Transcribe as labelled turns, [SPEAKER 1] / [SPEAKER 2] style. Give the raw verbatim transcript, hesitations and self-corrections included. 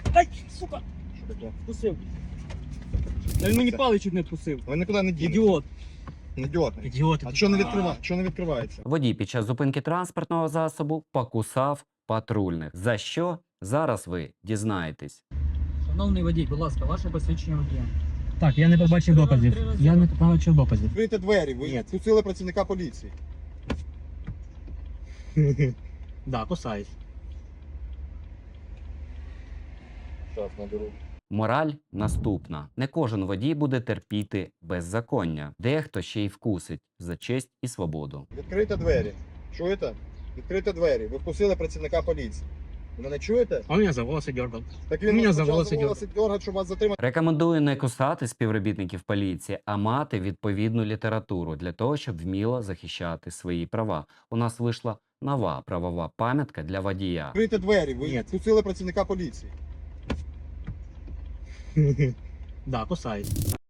[SPEAKER 1] Ай, сука,
[SPEAKER 2] Що таке?
[SPEAKER 1] вкусив. Та він мені паличок не вкусив.
[SPEAKER 2] Ви нікуди не дінете.
[SPEAKER 1] Ідіот.
[SPEAKER 2] Ідіот.
[SPEAKER 1] Ідіот.
[SPEAKER 2] А що не відкриває? Що не відкривається?
[SPEAKER 3] Водій під час зупинки транспортного засобу покусав патрульних. За що? Зараз ви дізнаєтесь.
[SPEAKER 1] Шановний водій, будь ласка, ваше посвідчення водія. Так, я не побачив доказів. Я не побачив доказів.
[SPEAKER 2] Відкрийте двері, ви
[SPEAKER 1] Ні.
[SPEAKER 2] впустили працівника поліції.
[SPEAKER 1] Да, кусаюсь.
[SPEAKER 2] Зараз наберу.
[SPEAKER 3] Мораль наступна. Не кожен водій буде терпіти беззаконня. Дехто ще й вкусить за честь і свободу.
[SPEAKER 2] Відкрийте двері. Чуєте? Відкрийте двері. Ви впустили працівника поліції. Ви мене чуєте?
[SPEAKER 1] Он меня за волосы дергал.
[SPEAKER 2] Так
[SPEAKER 1] Мене
[SPEAKER 2] вас
[SPEAKER 1] за
[SPEAKER 2] почав
[SPEAKER 1] волоси
[SPEAKER 2] волоси дергати, щоб вас затримати.
[SPEAKER 3] Рекомендую не кусати співробітників поліції, а мати відповідну літературу для того, щоб вміло захищати свої права. У нас вийшла нова правова пам'ятка для водія.
[SPEAKER 2] Відкрийте двері, ви
[SPEAKER 1] Ні.
[SPEAKER 2] впустили працівника поліції.
[SPEAKER 1] Да, кусаюсь.